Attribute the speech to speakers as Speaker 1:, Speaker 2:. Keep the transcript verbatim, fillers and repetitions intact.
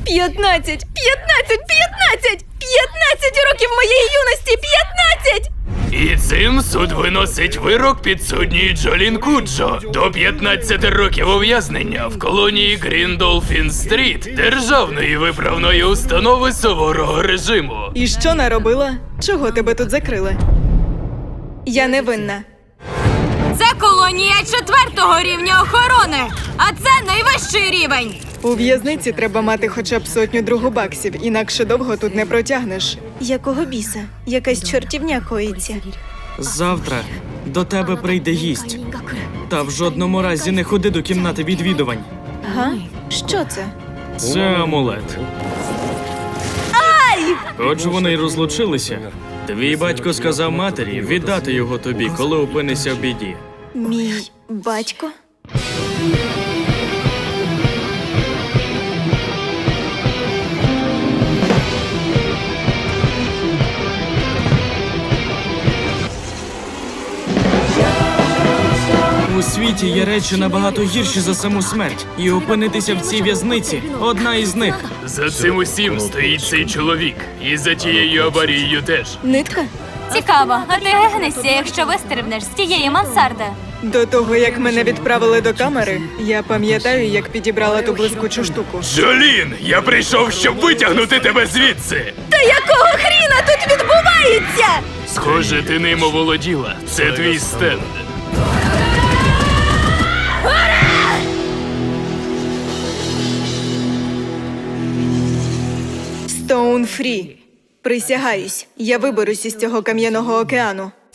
Speaker 1: П'ятнадцять! П'ятнадцять! П'ятнадцять! П'ятнадцять років моєї юності! П'ятнадцять!
Speaker 2: І цим суд виносить вирок підсудній Джолін Куджо до п'ятнадцяти років ув'язнення в колонії Гріндолфін-стріт державної виправної установи суворого режиму.
Speaker 1: І що наробила? Чого тебе тут закрили? Я не винна.
Speaker 3: Це колонія четвертого рівня охорони, а це найвищий рівень.
Speaker 1: У в'язниці треба мати хоча б сотню другу баксів, інакше довго тут не протягнеш. Якого біса? Якась чортівня коїться.
Speaker 4: Завтра до тебе прийде гість. Та в жодному разі не ходи до кімнати відвідувань.
Speaker 1: Га? Що це?
Speaker 4: Це амулет. Хоч вони й розлучилися, твій батько сказав матері віддати його тобі, коли опинишся в біді.
Speaker 1: Мій батько?
Speaker 4: У світі є речі набагато гірші за саму смерть. І опинитися в цій в'язниці – одна із них.
Speaker 2: За цим усім стоїть цей чоловік. І за тією аварією теж.
Speaker 1: Нитка?
Speaker 3: Цікаво, а ти гегнешся, якщо вистрибнеш з тієї мансарди.
Speaker 1: До того, як мене відправили до камери, я пам'ятаю, як підібрала ту блискучу штуку.
Speaker 2: Джолін, я прийшов, щоб витягнути тебе звідси.
Speaker 1: Та якого хріна тут відбувається?
Speaker 2: Схоже, ти ним оволоділа. Це твій стенд.
Speaker 1: Стоун Фрі. Присягаюсь, я виберусь із цього кам'яного океану.